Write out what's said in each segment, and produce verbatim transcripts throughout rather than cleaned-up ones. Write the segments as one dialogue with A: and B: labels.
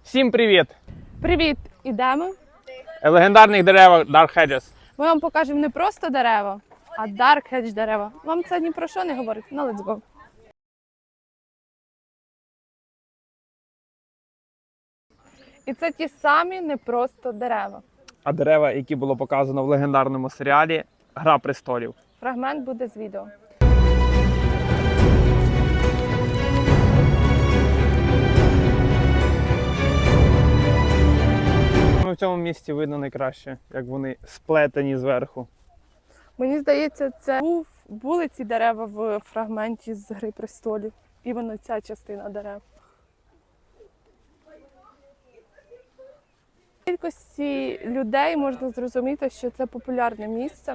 A: Всім привіт!
B: Привіт! Ідемо.
A: Легендарних дерев Dark Hedges.
B: Ми вам покажемо не просто дерева, а Dark Hedge дерева. Вам це ні про що не говорить? Ну, let's go. І це ті самі не просто дерева.
A: А дерева, які було показано в легендарному серіалі Гра престолів.
B: Фрагмент буде з відео.
A: В цьому місці видно найкраще, як вони сплетені зверху.
B: Мені здається, це був, були ці дерева в фрагменті з Гри престолів. Іменно ця частина дерев. З кількості людей можна зрозуміти, що це популярне місце.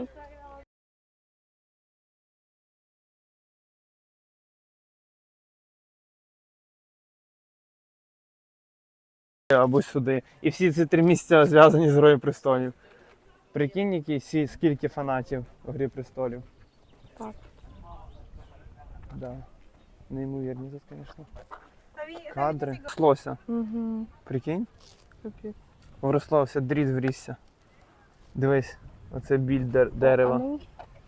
A: Або сюди. І всі ці три місця зв'язані з Грою престолів. Прикинь, які всі, скільки фанатів у Грі престолів.
B: Так.
A: Да. Неймовірні тут, звісно. Кадри. Слося.
B: Угу.
A: Прикинь? Врослався, дріт врісся. Дивись, оце біль дер- дерева.
B: А ну.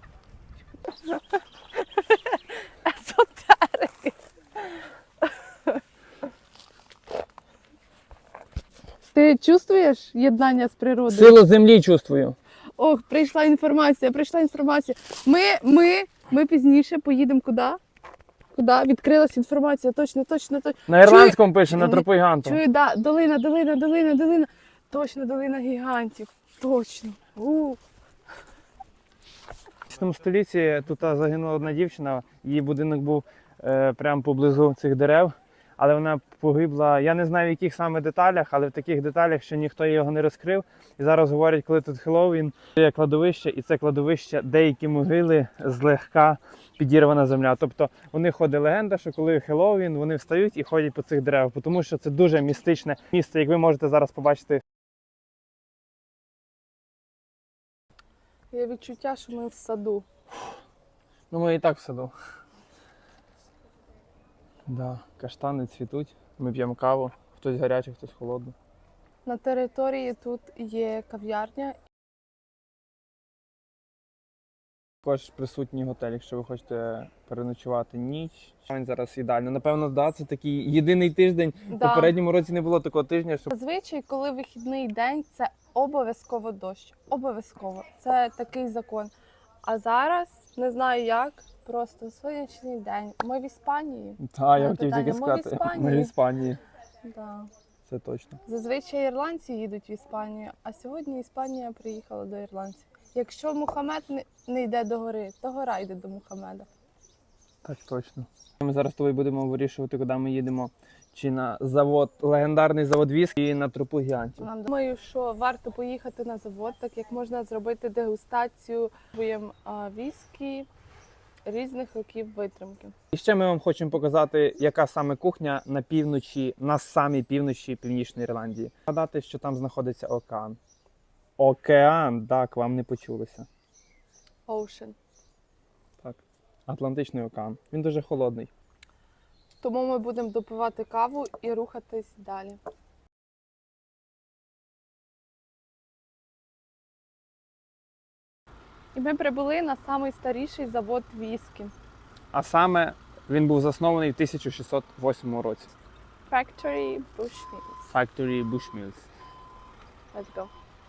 B: Езотерики. Ти чувствуєш єднання з природою?
A: Силу землі чувствую.
B: Ох, прийшла інформація, прийшла інформація. Ми, ми, ми пізніше поїдемо куди? Куди? Відкрилась інформація, точно, точно, точно.
A: На ірландському пише, на тропу гіганту.
B: Чую, да, долина, долина, долина, долина. Точно, долина гігантів. Точно. У.
A: В десятому столітті тут загинула одна дівчина, її будинок був е, прямо поблизу цих дерев, але вона погибла, я не знаю в яких саме деталях, але в таких деталях, що ніхто його не розкрив. І зараз говорять, коли тут Хеллоуін, є кладовище, і це кладовище, деякі могили злегка підірвана земля. Тобто у них ходить легенда, що коли Хеллоуін, вони встають і ходять по цих деревах, тому що це дуже містичне місце, як ви можете зараз побачити.
B: Є відчуття, що ми в саду.
A: Ну, ми і так в саду. Да, каштани цвітуть, ми п'ємо каву, хтось гарячий, хтось холодний.
B: На території тут є кав'ярня.
A: Також присутній готель, якщо ви хочете переночувати ніч. Він зараз ідеально. Напевно, да, це такий єдиний тиждень. В
B: Да.
A: попередньому році не було такого тижня, що
B: Зазвичай, коли вихідний день, це обов'язково дощ. Обов'язково. Це такий закон. А зараз, не знаю як, просто сонячний день. Ми в Іспанії.
A: та, я
B: Ну,
A: хотів
B: питання,
A: тільки
B: ми в
A: сказати.
B: Іспанії.
A: Ми в Іспанії.
B: Да.
A: Це точно.
B: Зазвичай ірландці їдуть в Іспанію, а сьогодні Іспанія приїхала до ірландців. Якщо Мухаммед не, не йде до гори, то гора йде до Мухаммеда.
A: Так точно. Ми зараз з тобою будемо вирішувати, куди ми їдемо. Чи на завод, легендарний завод віскі, і на тропу гігантів.
B: Нам думаю, що варто поїхати на завод, так як можна зробити дегустацію віскі різних років витримки.
A: І ще ми вам хочемо показати, яка саме кухня на півночі, на самій півночі Північної Ірландії. Нагадати, що там знаходиться океан. Океан, так, вам не почулося.
B: Ocean.
A: Так, Атлантичний океан. Він дуже холодний.
B: Тому ми будемо допивати каву і рухатись далі. І ми прибули на найстаріший завод віскі.
A: А саме він був заснований в тисяча шістсот восьмому році.
B: Factory Bushmills.
A: Factory Bushmills.
B: Let's go.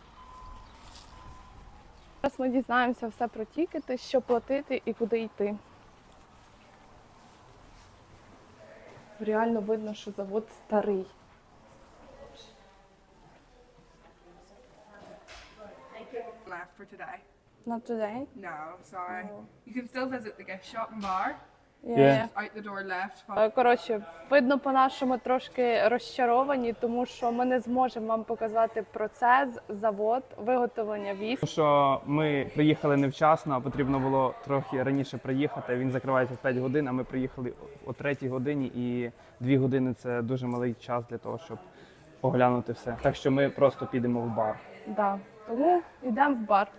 B: Зараз ми дізнаємося все про тікети, що платити і куди йти. Реально видно, що завод старий.
C: Left for today.
B: Not today?
C: No, sorry.
B: Oh.
C: You can still visit the gift shop and bar.
B: Yeah.
A: Yeah.
C: Out the door left.
B: Е, Коротше, видно по-нашому трошки розчаровані, тому що ми не зможемо вам показати процес, завод, виготовлення віскі.
A: Тому що ми приїхали невчасно, а потрібно було трохи раніше приїхати. Він закривається в п'ять годин, а ми приїхали о третій годині, і дві години – це дуже малий час для того, щоб оглянути все. Так що ми просто підемо в бар.
B: Да. Тому йдемо в бар.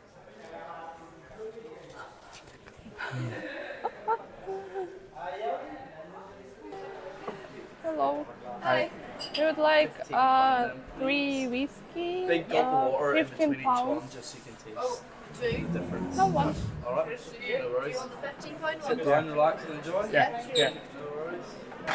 B: Hello. Hi. We would like uh, three whiskey,
D: Big gulp of
B: uh,
D: water in
B: fifteen
D: between each one,
B: pounds.
D: just so you can taste the difference.
B: No one.
D: All right, no worries.
E: fifteen pound
D: Sit down, relax, and enjoy.
A: Yeah, yeah.
D: No worries.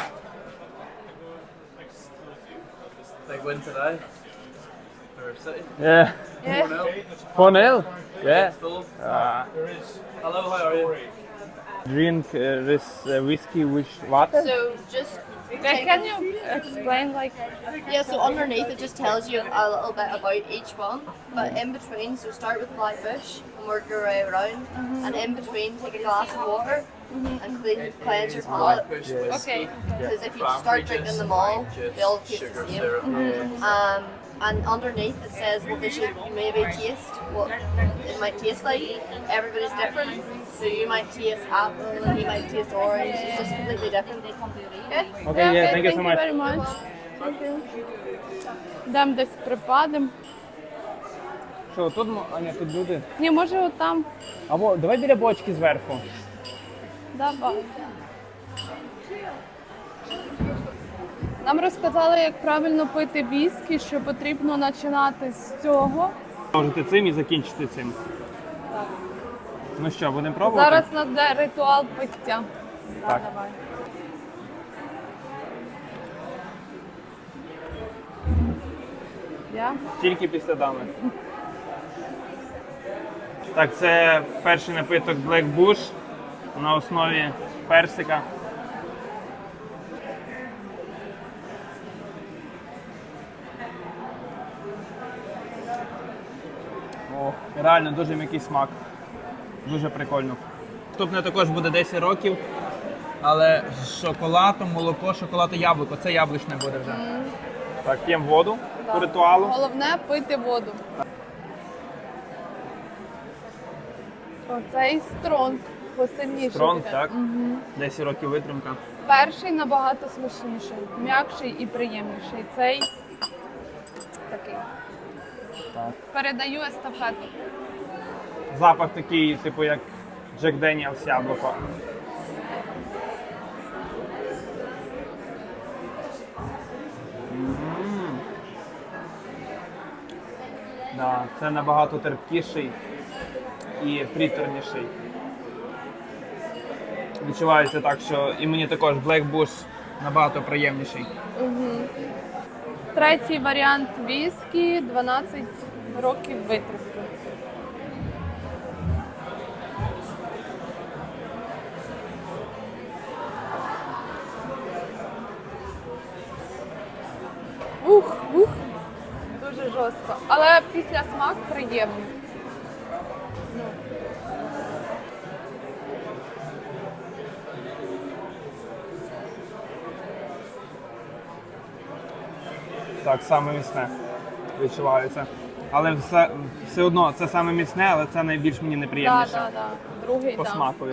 D: Big win today for City.
A: Yeah.
B: Yeah.
D: four nil.
A: four nil? Yeah.
D: Full.
A: Uh,
D: Hello, how are you?
A: drink uh, this uh, whiskey with water?
E: So just
B: Yeah, can you explain like
E: yeah, so underneath it just tells you a little bit about each one, but in between, so start with Black Bush and work your way around, and in between take a glass of water and clean, cleanse your palate.
D: Bush
B: okay?
D: whiskey.
E: Because if you start drinking them all, they all taste the
D: Sugar
E: same.
D: syrup.
E: Um, and underneath it says what they should maybe taste, what it might taste like. Everybody's different, so you might taste apple and he might taste orange. It's just completely different. Okay?
A: Okay, yeah, thank you so much.
B: very much. Thank you. Дам десь припадем.
A: Що, тут, м- а ні, тут люди.
B: Ні, може отам.
A: Або давай біля бочки зверху.
B: Давай. Нам розказали, як правильно пити віскі, що потрібно починати з цього.
A: Можете цим і закінчити цим. Ну що, будемо пробувати?
B: Зараз у нас буде ритуал пиття. Да,
A: Так.
B: давай. Я?
A: Тільки після дами. Так, це перший напиток Black Bush на основі персика. О, реально дуже м'який смак. Дуже прикольно. Наступне також буде десять років, але з шоколадом, молоко, шоколад і яблуко. Це яблучне буде вже. Так, п'ємо воду по ритуалу.
B: Головне пити воду. Оцей стронг посильніший.
A: Стронг,
B: буде.
A: так? десять років витримка.
B: Перший набагато смачніший, м'якший і приємніший. Цей такий.
A: Так.
B: Передаю естафету.
A: Запах такий, типу, як Джек Деніелс яблуко. М. Да, це набагато терпкіший і приторніший. Відчувається так, що і мені також Black Bush набагато приємніший.
B: Третій варіант віскі, дванадцять років витримки. Ух, ух, дуже жорстко. Але після смак приємний.
A: Так, саме міцне відчувається. Але все, все одно це саме міцне, але це найбільш мені
B: Так,
A: неприємніше.
B: так, так. Другий
A: По
B: так.
A: смакові.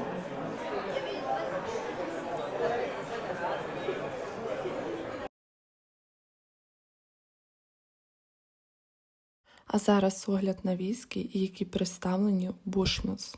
F: А зараз огляд на віскі, які представлені у Bushmills.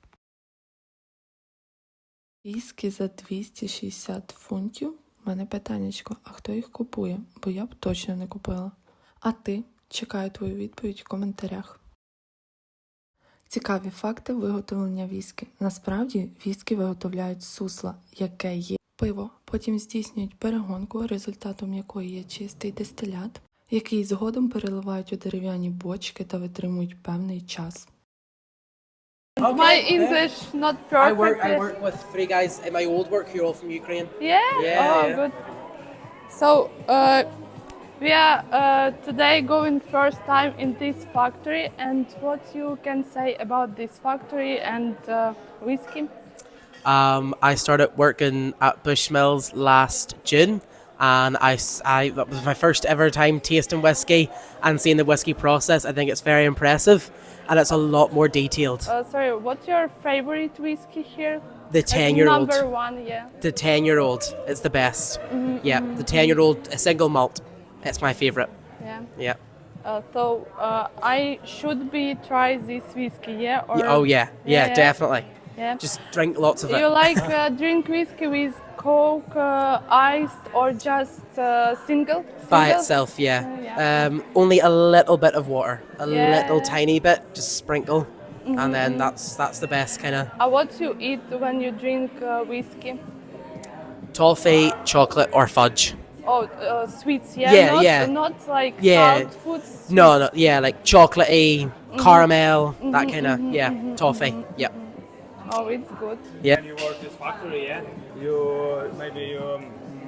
F: Віскі за двісті шістдесят фунтів. У мене питаннячко, а хто їх купує? Бо я б точно не купила. А ти? Чекаю твою відповідь в коментарях. Цікаві факти виготовлення віскі. Насправді, віскі виготовляють з сусла, яке є пиво. Потім здійснюють перегонку, результатом якої є чистий дистилят, який згодом переливають у дерев'яні бочки та витримують певний час.
B: My English not perfect.
G: I work. I
B: yet.
G: work with three guys in my old work who are all from Ukraine.
B: Yeah?
G: Yeah,
B: Oh,
G: yeah.
B: good. So, uh, we are uh, today going first time in this factory, and what you can say about this factory and uh, whiskey?
G: Um, I started working at Bushmills last June, and I, s- I that was my first ever time tasting whiskey and seeing the whiskey process. I think it's very impressive, and it's a lot more detailed.
B: Uh, sorry, what's your favorite whiskey here?
G: The
B: Like
G: ten-year-old,
B: Number one, yeah.
G: the ten-year-old is the best. Yeah, the ten-year-old, a single malt. It's my favorite.
B: Yeah.
G: Yeah.
B: Uh, so uh, I should be try this whiskey, yeah? Or
G: Yeah, oh yeah, yeah,
B: Yeah.
G: definitely.
B: yeah.
G: Just drink lots of
B: You
G: it.
B: like uh, drink whiskey with Coke uh, iced or just uh, single?
G: By
B: Single?
G: itself, yeah.
B: Uh, yeah.
G: Um, only a little bit of water, a
B: Yeah.
G: little tiny bit, just sprinkle,
B: Mm-hmm,
G: and then that's that's the best kind of
B: Uh, what you eat when you drink uh, whiskey?
G: toffee, chocolate, or fudge.
B: Oh, uh, sweets, yeah?
G: Yeah,
B: not,
G: yeah.
B: Not like
G: Yeah.
B: salt foods?
G: No, no, yeah, like chocolatey,
B: Mm-hmm.
G: caramel, that kind of, yeah, toffee, yeah,
B: Oh, it's good.
G: yeah.
A: When you work this factory, yeah, you maybe you um,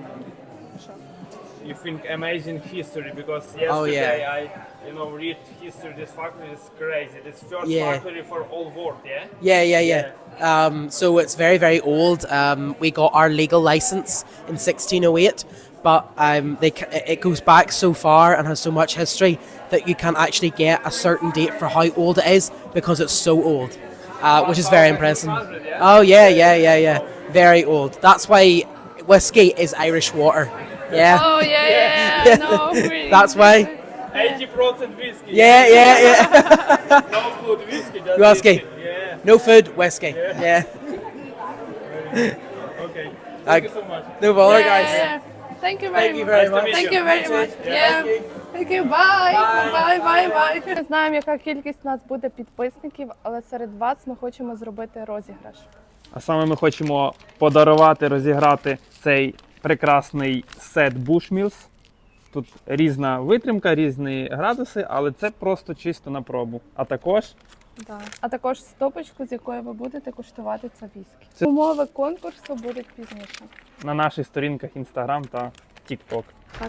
A: you think amazing history because yesterday
G: Oh, yeah.
A: I you know read history. This factory is crazy. This first
G: Yeah.
A: factory for all world, yeah.
G: Yeah, yeah, yeah. Um, so it's very, very old. Um, we got our legal license in sixteen oh eight, but um, they ca- it- it goes back so far and has so much history that you can't actually get a certain date for how old it is because it's so old, uh, which is very impressive. Oh yeah, yeah, yeah, yeah. Very old. That's why whiskey is Irish water. Yeah.
B: Oh, yeah, yeah, yeah. No, really.
G: That's why.
A: Eighty percent whiskey.
G: Yeah, yeah, yeah.
A: No food, whiskey. Just
G: Whiskey.
A: Yeah.
G: No food, whiskey. Yeah.
A: Okay.
G: Uh,
A: Thank you so much.
G: No bother,
B: Yeah,
G: guys.
B: yeah. Thank you very
G: Thank you
B: much.
G: very
A: Nice to
G: much.
A: meet
B: Thank
A: you.
B: you very much. Yeah. Thank you. Bye. Bye, bye, bye. Не знаємо, яка кількість у нас буде підписників, але серед вас ми хочемо зробити розіграш.
A: А саме ми хочемо подарувати, розіграти цей прекрасний сет Bushmills. Тут різна витримка, різні градуси, але це просто чисто на пробу. А також
B: Да. А також стопочку, з якої ви будете куштувати це віскі.
A: Це-
B: Умови конкурсу будуть пізніше.
A: на наших сторінках Instagram та TikTok.
B: Так.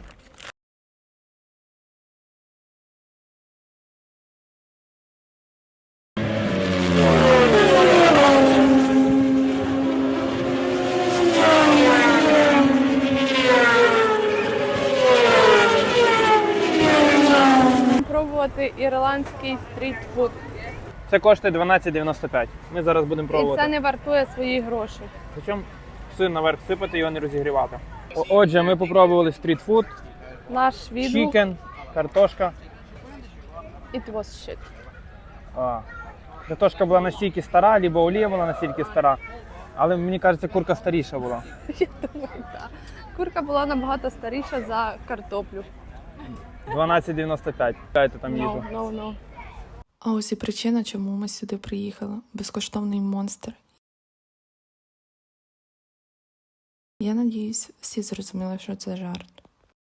B: Пробувати ірландський стрітфуд.
A: Це коштує дванадцять дев'яносто п'ять. Ми зараз будемо
B: І
A: пробувати.
B: це не вартує своїх грошей.
A: Причому сир наверх сипати, його не розігрівати. О- Отже, ми попробували стрітфуд,
B: Наш відгук
A: чікен, картошка.
B: it was shit.
A: А, картошка була настільки стара, либо олія була настільки стара. Але мені кажеться, курка старіша була.
B: Я думаю, так. Курка була набагато старіша за картоплю.
A: дванадцять дев'яносто п'ять. Дайте там їжу.
B: No, no, no.
F: А ось і причина, чому ми сюди приїхали. Безкоштовний монстр. Я надіюсь, всі зрозуміли, що це жарт.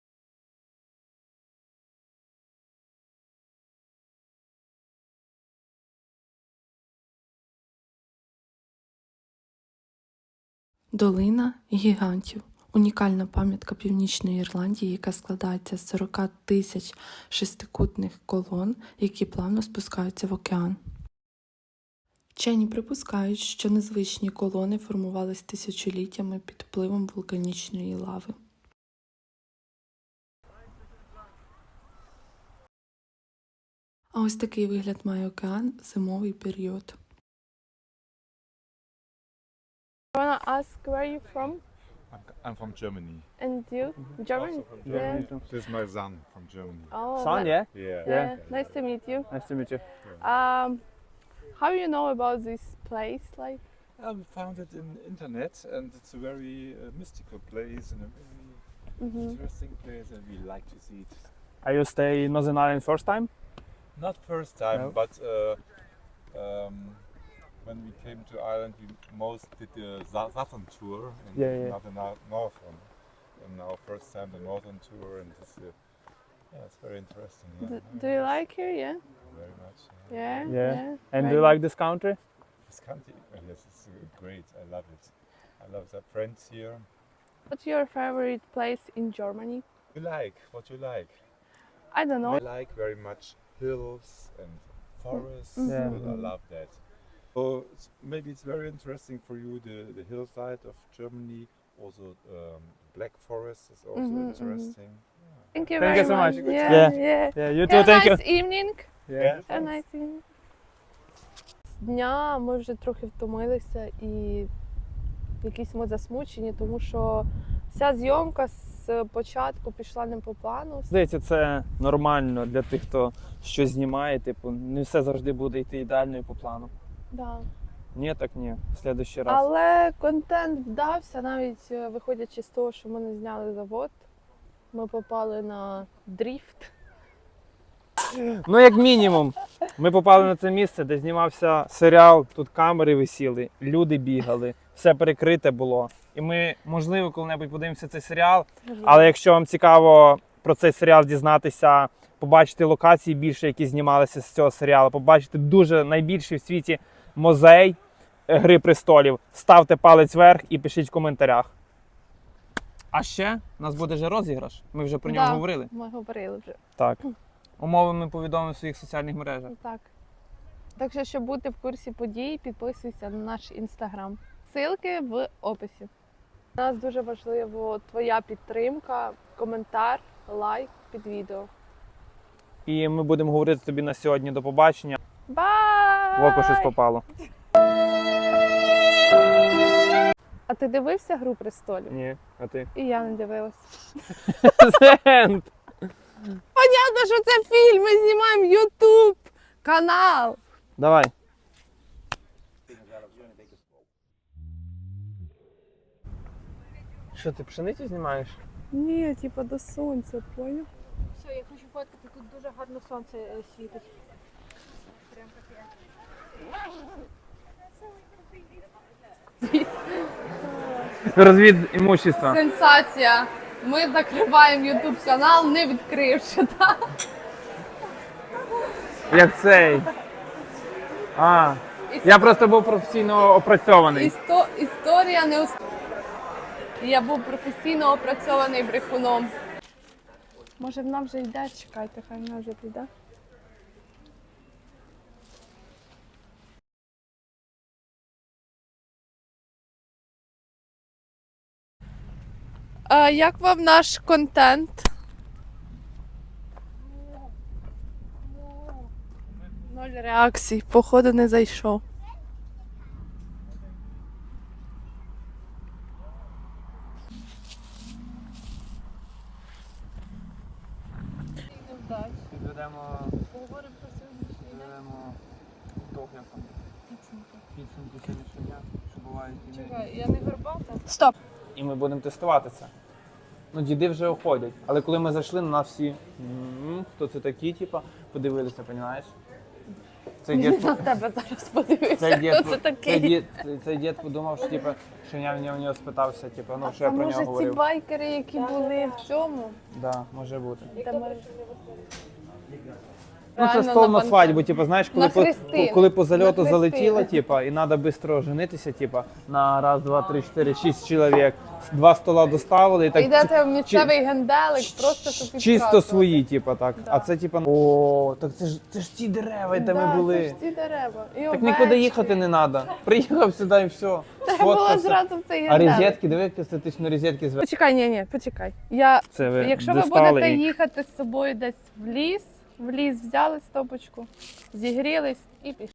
F: Долина гігантів. Унікальна пам'ятка Північної Ірландії, яка складається з сорок тисяч шестикутних колон, які плавно спускаються в океан. Вчені припускають, що незвичні колони формувались тисячоліттями під впливом вулканічної лави. А ось такий вигляд має океан в зимовий період.
B: I wanna ask where you from
H: I'm, I'm from Germany.
B: and you? German? Yeah.
H: This is my son from Germany.
B: Oh,
A: Son,
B: ni-
A: yeah?
H: Yeah.
B: yeah. Nice to meet you.
A: Nice to meet you.
B: Um, how you know about this place? Like,
H: I found it in internet, and it's a very uh, mystical place and a very
B: Mhm.
H: interesting place, and we like to see it.
A: Are you stay in Northern Ireland first time?
H: Not first time,
A: No.
H: but uh, um, when we came to Ireland, we most did the sou- southern tour, and
A: Yeah, yeah.
H: not the nor- northern. And now first time the northern tour, and it's uh, yeah, it's very interesting. Yeah,
B: do,
H: very
B: do you
H: nice,
B: like here? Yeah.
H: very much.
B: Yeah.
A: Yeah. And do
B: Right.
A: you like this country?
H: This country, oh, yes, it's uh, great. I love it. I love the friends here.
B: What's your favorite place in Germany?
H: You like what you like.
B: I don't know.
H: I like very much hills and forests.
A: Yeah.
H: I love that. So it's, maybe it's very interesting for you the the hillside of Germany. Also, um, Black Forest is also
B: Mhm, mhm.
H: interesting.
B: Thank you
A: Thank
B: very
A: you so much.
B: Yeah.
A: Yeah.
B: Yeah.
A: Yeah, you
B: Have
A: too.
B: a
A: Thank you.
B: nice evening.
A: Yeah.
B: Have a nice evening. З дня ми вже трохи втомилися і якісь ми засмучені, тому що вся зйомка з початку пішла не по плану.
A: Здається, це нормально для тих, хто щось знімає. Типу, не все завжди буде йти ідеально і по плану.
B: Да.
A: Ні, так ні. В следующий раз.
B: Але контент вдався, навіть е, виходячи з того, що ми не зняли завод. Ми попали на дріфт.
A: Ну, як мінімум, ми попали на це місце, де знімався серіал, тут камери висіли, люди бігали, все перекрите було. І ми, можливо, коли-небудь подивимося цей серіал, але якщо вам цікаво про цей серіал дізнатися, побачити локації більше, які знімалися з цього серіалу, побачити дуже найбільший в світі музей Гри престолів, ставте палець вверх і пишіть в коментарях. А ще у нас буде же розіграш, ми вже про нього
B: Да.
A: говорили.
B: Ми говорили вже.
A: Так. Умови ми повідомимо в своїх соціальних мережах.
B: Так. Так що, щоб бути в курсі подій, підписуйся на наш інстаграм. Ссылки в описі. У нас дуже важливо твоя підтримка, коментар, лайк під відео.
A: І ми будемо говорити тобі на сьогодні до побачення.
B: Бай!
A: В око щось попало.
B: А ти дивився «Гру престолів»?
A: Ні, а ти?
B: І я не дивилась.
A: Зент!
B: Понятно, що це фільм, ми знімаємо ютуб канал.
A: Давай. Що, ти пшеницю знімаєш?
B: Ні, типа до сонця, поняв?
I: Все, я хочу фоткати, тут дуже гарно сонце е, світить. Прям таке.
A: Розвід імущества.
B: Сенсація. Ми закриваємо ютуб канал, не відкривши, так?
A: Як цей. А, я просто був професійно опрацьований.
B: Істо... Історія не ус- Я був професійно опрацьований брехуном. Може вона вже йде? Чекайте, хай вона вже піде. А як вам наш контент? Ноль реакцій, походу не зайшов.
A: Підведемо,
B: Поговоримо про сьогоднішній день.
A: підведемо ітог, як там. Підсумки сьогоднішнього дня, що бувають. і не-
B: Чекай, я не горбата. Стоп!
A: І ми будемо тестувати це. Ну, діди вже уходять. Але коли ми зайшли, на нас всі, «М, хто це такі, типа, подивилися, розумієш? Цей дід,
B: На тебе зараз подивися,
A: цей дід,
B: хто це
A: цей
B: такий.
A: дід, цей дід подумав, що, типа, що я в нього, в нього спитався, типа, ну, що
B: А
A: я про
B: може
A: нього
B: ці
A: говорив.
B: байкери, які були в цьому?
A: Да, може бути.
B: Де ми-
A: Ну, це
B: Реально
A: стол на
B: бан-
A: свадьбу, типу, знаєш, коли,
B: На
A: по,
B: хрестини.
A: коли по зальоту
B: На
A: залетіло,
B: хрестини.
A: типу, і треба швидко женитися, типу, на раз, два, три, чотири, шість чоловік. Два стола доставили і так
B: Йдете в місцевий генделик, просто щоб
A: чисто
B: підказувати.
A: свої, типу, так.
B: Да.
A: А це, типу, о, так це ж, це ж ті дерева, де
B: Да,
A: ми були.
B: Це ж ці дерева. І
A: Так
B: овечки.
A: нікуди їхати не треба. Приїхав сюди і все.
B: Треба було
A: Сфоткався.
B: зразу в цей
A: А
B: генделик.
A: розетки, диви, як естетично розетки звели.
B: Почекай, ні, ні, почекай. Я,
A: Це ви
B: якщо ви
A: достали
B: будете
A: і-
B: їхати з собою десь в ліс, в ліс взяли стопочку, зігрілись і пішли.